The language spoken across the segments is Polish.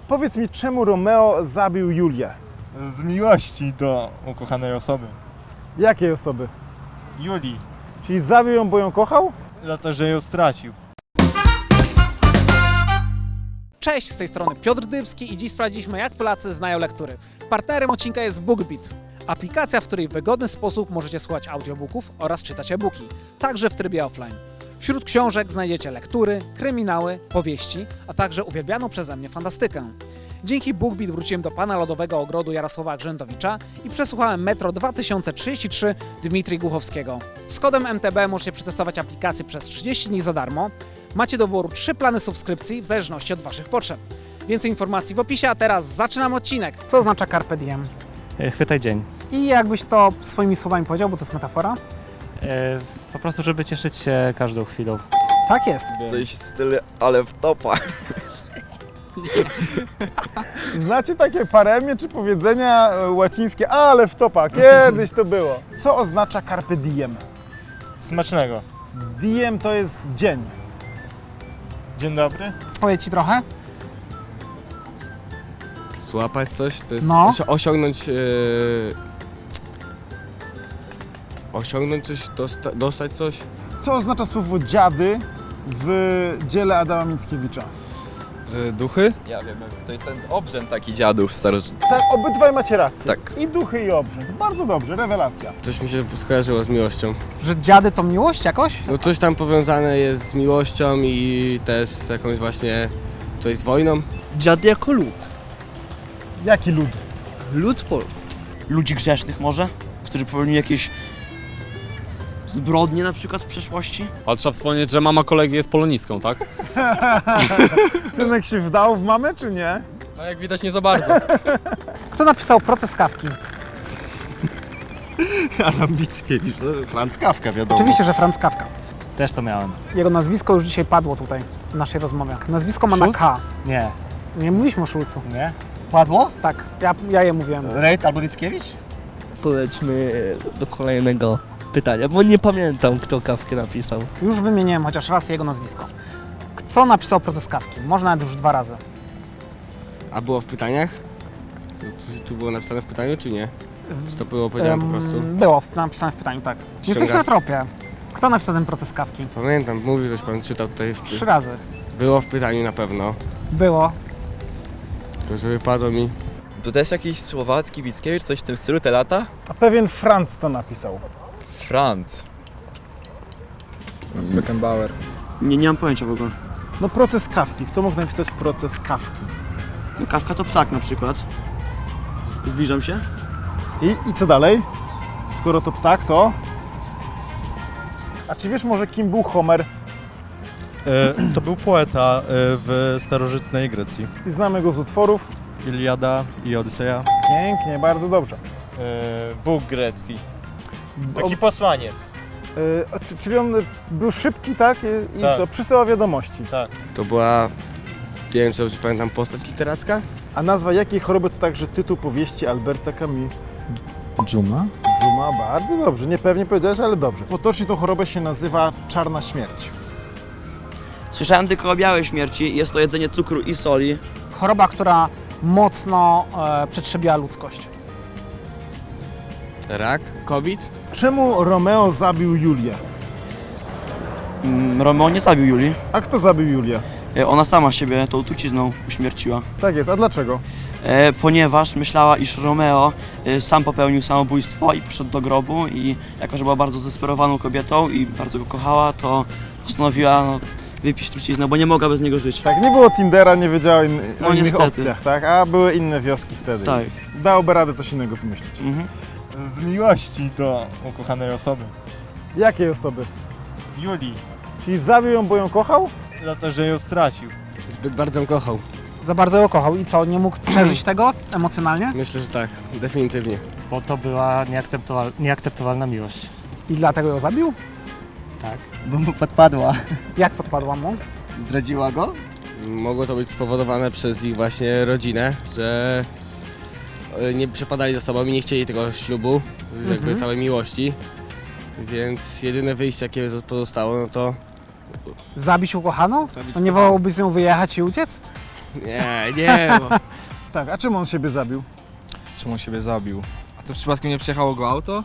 Powiedz mi, czemu Romeo zabił Julię? Z miłości do ukochanej osoby. Jakiej osoby? Julii. Czyli zabił ją, bo ją kochał? Za to, że ją stracił. Cześć, z tej strony Piotr Dybski i dziś sprawdziliśmy, jak Polacy znają lektury. Partnerem odcinka jest BookBeat, aplikacja, w której w wygodny sposób możecie słuchać audiobooków oraz czytać e-booki, także w trybie offline. Wśród książek znajdziecie lektury, kryminały, powieści, a także uwielbianą przeze mnie fantastykę. Dzięki BookBeat wróciłem do pana lodowego ogrodu Jarosława Grzędowicza i przesłuchałem Metro 2033 Dmitrija Głuchowskiego. Z kodem MTB możecie przetestować aplikację przez 30 dni za darmo. Macie do wyboru 3 plany subskrypcji w zależności od waszych potrzeb. Więcej informacji w opisie, a teraz zaczynamy odcinek. Co oznacza Carpe Diem? Chwytaj dzień. I jakbyś to swoimi słowami powiedział, bo to jest metafora? Po prostu, żeby cieszyć się każdą chwilą. Tak jest. Coś w stylu, ale w topa. Znacie takie paremie czy powiedzenia łacińskie, ale w topa, kiedyś to było. Co oznacza Carpe Diem? Smacznego. Diem to jest dzień. Dzień dobry. Powiedz ci trochę? Złapać coś, to jest No. osiągnąć... osiągnąć coś, dostać coś. Co oznacza słowo dziady w dziele Adama Mickiewicza? Duchy? Ja wiem, to jest ten obrzęd taki dziadów starożytnych. Tak, obydwaj macie rację. Tak. I duchy, i obrzęd. Bardzo dobrze, rewelacja. Coś mi się skojarzyło z miłością. Że dziady to miłość jakoś? No coś tam powiązane jest z miłością i też z jakąś właśnie... coś z wojną. Dziad jako lud. Jaki lud? Lud polski. Ludzi grzesznych może, którzy popełnili jakieś zbrodnie na przykład w przeszłości. Ale trzeba wspomnieć, że mama kolegi jest polonistką, tak? Synek się wdał w mamę, czy nie? No jak widać nie za bardzo. Kto napisał Proces Kafki? Adam Mickiewicz, Franz Kafka wiadomo. Oczywiście, że Franz Kafka. Też to miałem. Jego nazwisko już dzisiaj padło tutaj w naszej rozmowie. Nazwisko ma na Schulz? K. Nie. Nie mówiliśmy o Szulcu. Nie? Padło? Tak, ja je mówiłem. Rejt albo Mickiewicz? To lećmy do kolejnego pytania, bo nie pamiętam, kto Kawkę napisał. Już wymieniłem chociaż raz jego nazwisko. Kto napisał Proces Kafki? Może nawet już 2 razy. A było w pytaniach? Tu było napisane w pytaniu, czy nie? Czy to było powiedziane po prostu? Było napisane w pytaniu, tak. Jesteś na tropie. Kto napisał ten Proces Kafki? Pamiętam, mówił coś pan, czytał tutaj. 3 razy. Było w pytaniu na pewno, Było. tylko że wypadło mi. To też jakiś słowacki Mickiewicz, coś w tym stylu, te lata? A pewien Franz to napisał. Franz. Beckenbauer. Nie mam pojęcia w ogóle. No proces Kafki. Kto mógł napisać proces Kafki? No Kawka to ptak na przykład. Zbliżam się. I co dalej? Skoro to ptak, to... A czy wiesz może, kim był Homer? To był poeta w starożytnej Grecji. I znamy go z utworów. Iliada i Odyseja. Pięknie, bardzo dobrze. Bóg grecki. Taki posłaniec. Czyli on był szybki, tak? I Tak. co? Przysyłał wiadomości. Tak. To była, nie wiem czy pamiętam, postać literacka? A nazwa jakiej choroby to także tytuł powieści Alberta Camus? Dżuma? Dżuma, bardzo dobrze. Niepewnie powiedziałeś, ale dobrze. Potocznie tą chorobę się nazywa czarna śmierć. Słyszałem tylko o białej śmierci. Jest to jedzenie cukru i soli. Choroba, która mocno przetrzebiła ludzkość. Rak? COVID? Czemu Romeo zabił Julię? Romeo nie zabił Julii. A kto zabił Julię? Ona sama siebie tą trucizną uśmierciła. Tak jest, a dlaczego? Ponieważ myślała, iż Romeo sam popełnił samobójstwo i poszedł do grobu i jako, że była bardzo zdesperowaną kobietą i bardzo go kochała, to postanowiła wypić truciznę, bo nie mogła bez niego żyć. Tak, nie było Tindera, nie wiedziała o No innych niestety. opcjach, tak? A były inne wioski wtedy. Tak. Dałoby radę coś innego wymyślić. Mhm. Z miłości do ukochanej osoby. Jakiej osoby? Julii. Czyli zabił ją, bo ją kochał? Za to, że ją stracił. Zbyt bardzo ją kochał. Za bardzo ją kochał i co, nie mógł przeżyć tego emocjonalnie? Myślę, że tak, definitywnie. Bo to była nieakceptowalna miłość. I dlatego ją zabił? Bo mu podpadła. Jak podpadła mu? Zdradziła go? Mogło to być spowodowane przez ich właśnie rodzinę, że nie przepadali za sobą i nie chcieli tego ślubu, jakby całej miłości. Więc jedyne wyjście, jakie pozostało, no to Zabić ukochaną? Zabić No nie wolałbyś z nią wyjechać i uciec? Nie. Tak, a czym on siebie zabił? Czemu on siebie zabił? A to przypadkiem nie przejechało go auto?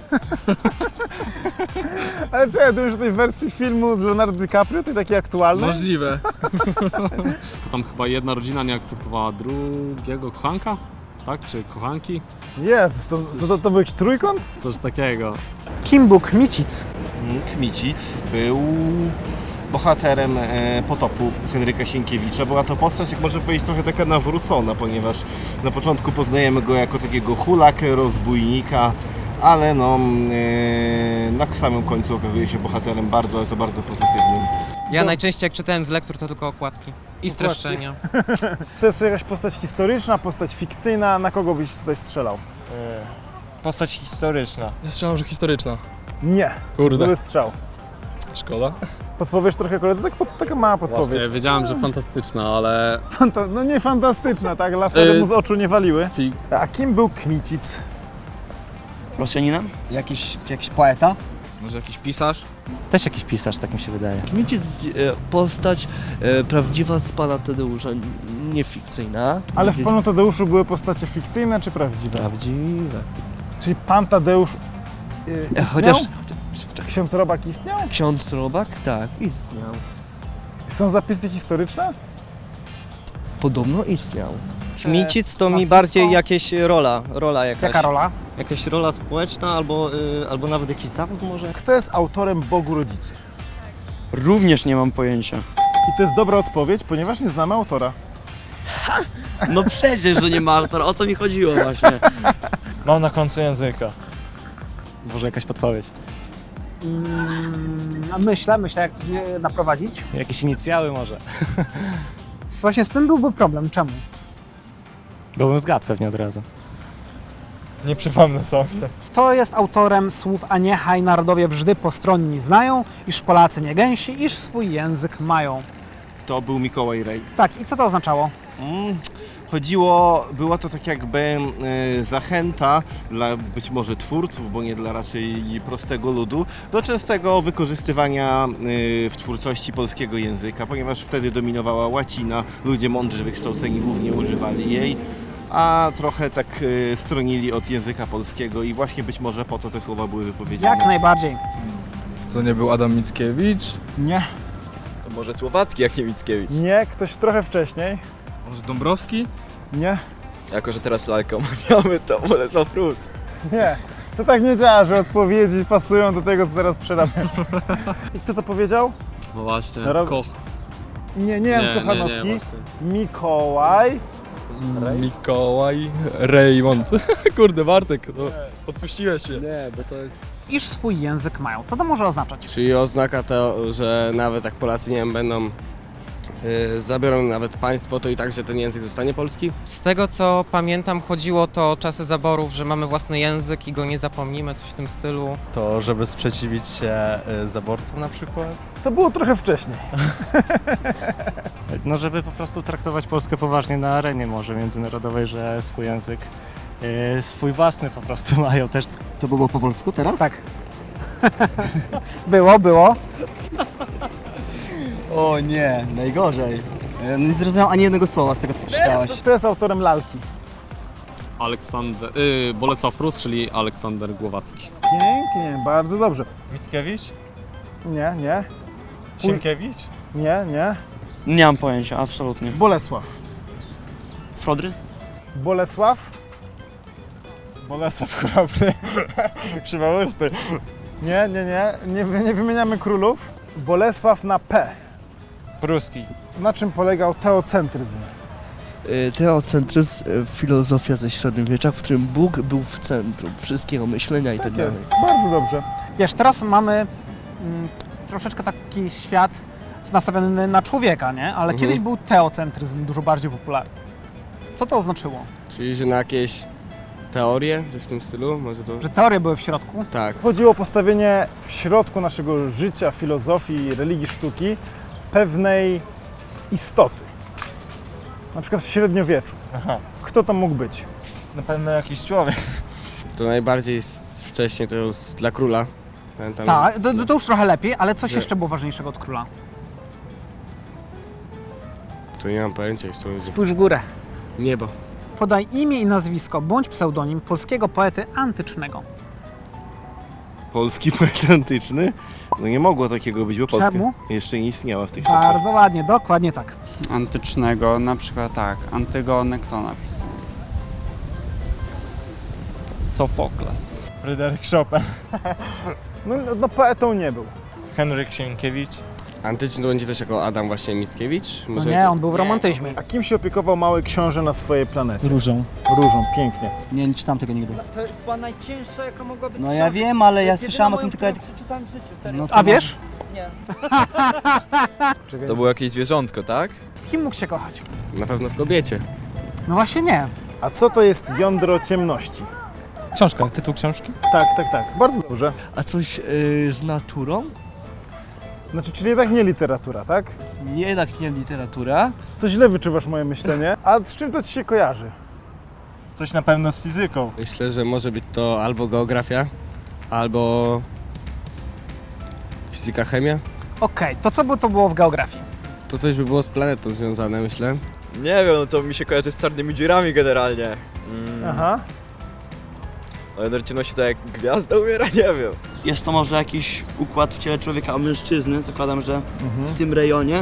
Ale czekaj, to już w tej wersji filmu z Leonardo DiCaprio, tej takiej aktualnej? Możliwe. To tam chyba jedna rodzina nie akceptowała drugiego kochanka? Tak? Czy kochanki? Jezus, to był jakiś trójkąt? Coś takiego. Kim był Kmicic? Kmicic był bohaterem Potopu Henryka Sienkiewicza. Była to postać, jak można powiedzieć, trochę taka nawrócona, ponieważ na początku poznajemy go jako takiego hulakę, rozbójnika, ale na samym końcu okazuje się bohaterem bardzo, ale to bardzo pozytywnym. Ja najczęściej jak czytałem z lektur, to tylko okładki i streszczenia. To jest jakaś postać historyczna, postać fikcyjna, na kogo byś tutaj strzelał? Postać historyczna. Ja strzelam, że historyczna. Nie, Kurde. zły strzał. Szkoda. Podpowiesz trochę koledzy? Taka mała podpowiedź. Właśnie, wiedziałem, że fantastyczna, ale... No nie fantastyczna, tak? Lasery mu z oczu nie waliły. A kim był Kmicic? Rosjaninem? Jakiś poeta? Może jakiś pisarz? Też jakiś pisarz, tak mi się wydaje. Kmicic, postać prawdziwa z pana Tadeusza, nie fikcyjna. Ale w Panu Tadeuszu były postacie fikcyjne czy prawdziwe? Prawdziwe. Czyli Pan Tadeusz istniał? Chociaż Ksiądz Robak istniał? ksiądz Robak, tak, istniał. Są zapisy historyczne? Podobno istniał. Kmicic to mi nazwisko? bardziej jakieś rola jakaś. Jaka rola? Jakaś rola społeczna albo nawet jakiś zawód może. Kto jest autorem Bogu Rodzicy? Również nie mam pojęcia. I to jest dobra odpowiedź, ponieważ nie znamy autora. No przecież, że nie ma autora, o to mi chodziło właśnie. Mam na końcu języka. Może jakaś podpowiedź. Myślę, jak je naprowadzić. Jakieś inicjały może. Właśnie z tym byłby problem. Czemu? Byłbym zgadł pewnie od razu. Nie przypomnę sobie. Kto jest autorem słów a niechaj narodowie wżdy postronni znają, iż Polacy nie gęsi, iż swój język mają. To był Mikołaj Rej. Tak, i co to oznaczało? Była to tak jakby zachęta dla być może twórców, bo nie dla raczej prostego ludu, do częstego wykorzystywania w twórczości polskiego języka, ponieważ wtedy dominowała łacina, ludzie mądrzy, wykształceni głównie używali jej, a trochę tak stronili od języka polskiego i właśnie być może po to te słowa były wypowiedziane. Jak najbardziej. To nie był Adam Mickiewicz? Nie. To może Słowacki jak nie Mickiewicz. Nie, ktoś trochę wcześniej. Może Dąbrowski? Nie. Jako, że teraz lalkę omawiamy, to Bolesław Prus. Nie. To tak nie działa, że odpowiedzi pasują do tego, co teraz przerabiam. I kto to powiedział? No właśnie, Koch. Nie Jan Kochanowski. właśnie. Mikołaj. Mikołaj Raymond. Kurde, Bartek, no, odpuściłeś się. Nie, bo to jest... Iż swój język mają. Co to może oznaczać? Czyli oznaka to, że nawet jak Polacy, nie wiem, będą zabiorą nawet państwo, to i tak, że ten język zostanie polski? Z tego co pamiętam, chodziło to o czasy zaborów, że mamy własny język i go nie zapomnimy, coś w tym stylu. To żeby sprzeciwić się zaborcom na przykład? To było trochę wcześniej. No żeby po prostu traktować Polskę poważnie na arenie może międzynarodowej, że swój język, swój własny po prostu mają też. To było po polsku teraz? Tak. Było. O nie, najgorzej. Nie zrozumiałem ani jednego słowa z tego, co przeczytałeś. Kto jest autorem lalki? Bolesław Prus, czyli Aleksander Głowacki. Pięknie, bardzo dobrze. Mickiewicz? Nie. Sienkiewicz? Nie. Nie mam pojęcia, absolutnie. Bolesław. Frodry? Bolesław? Bolesław Chrobry. Krzywousty. Nie wymieniamy królów. Bolesław na P. Pruski. Na czym polegał teocentryzm? Teocentryzm, filozofia ze średniowiecza, w którym Bóg był w centrum wszystkiego myślenia i tak Tak dalej. jest, bardzo dobrze. Wiesz, teraz mamy troszeczkę taki świat nastawiony na człowieka, nie? Ale kiedyś był teocentryzm dużo bardziej popularny. Co to oznaczyło? Czyli, że na jakieś teorie, coś w tym stylu? Może to... Że teorie były w środku? Tak. Chodziło o postawienie w środku naszego życia, filozofii, religii, sztuki pewnej istoty. Na przykład w średniowieczu. Aha. Kto to mógł być? Na pewno jakiś człowiek. To najbardziej wcześniej to już dla króla. Pamiętam. Tak, to już trochę lepiej, ale coś Że- jeszcze było ważniejszego od króla. To nie mam pojęcia, co będzie. Spójrz w górę. Niebo. Podaj imię i nazwisko bądź pseudonim polskiego poety antycznego. Polski poet antyczny? No nie mogło takiego być, bo Polska Czemu? jeszcze nie istniała w tych czasach. Bardzo ładnie, dokładnie tak. Antycznego, na przykład tak, Antygonę kto napisał? Sofokles. Fryderyk Chopin. No poetą nie był. Henryk Sienkiewicz. Antyczny to będzie też jako Adam właśnie Mickiewicz? No nie, on był w romantyzmie. A kim się opiekował mały książę na swojej planecie? Różą. Różą, pięknie. Nie czytam tego nigdy. To była najcięższa, jaka mogła być. No ja wiem, ale ja słyszałem o tym tylko... Przeczytałem w życiu, serio. No to A wiesz? Nie. To było jakieś zwierzątko, tak? Kim mógł się kochać? Na pewno w kobiecie. No właśnie nie. A co to jest jądro ciemności? Książka, tytuł książki? Tak. Bardzo dobrze. A coś z naturą? Znaczy, czyli jednak nie literatura, tak? Nie, jednak nie literatura. To źle wyczuwasz moje myślenie. A z czym to ci się kojarzy? Coś na pewno z fizyką. Myślę, że może być to albo geografia, albo fizyka, chemia. Okej, to co by to było w geografii? To coś by było z planetą związane, myślę. Nie wiem, to mi się kojarzy z czarnymi dziurami generalnie. Aha. O jądro ciemności to jak gwiazda umiera? Nie wiem. Jest to może jakiś układ w ciele człowieka, a mężczyzny, zakładam, że w tym rejonie.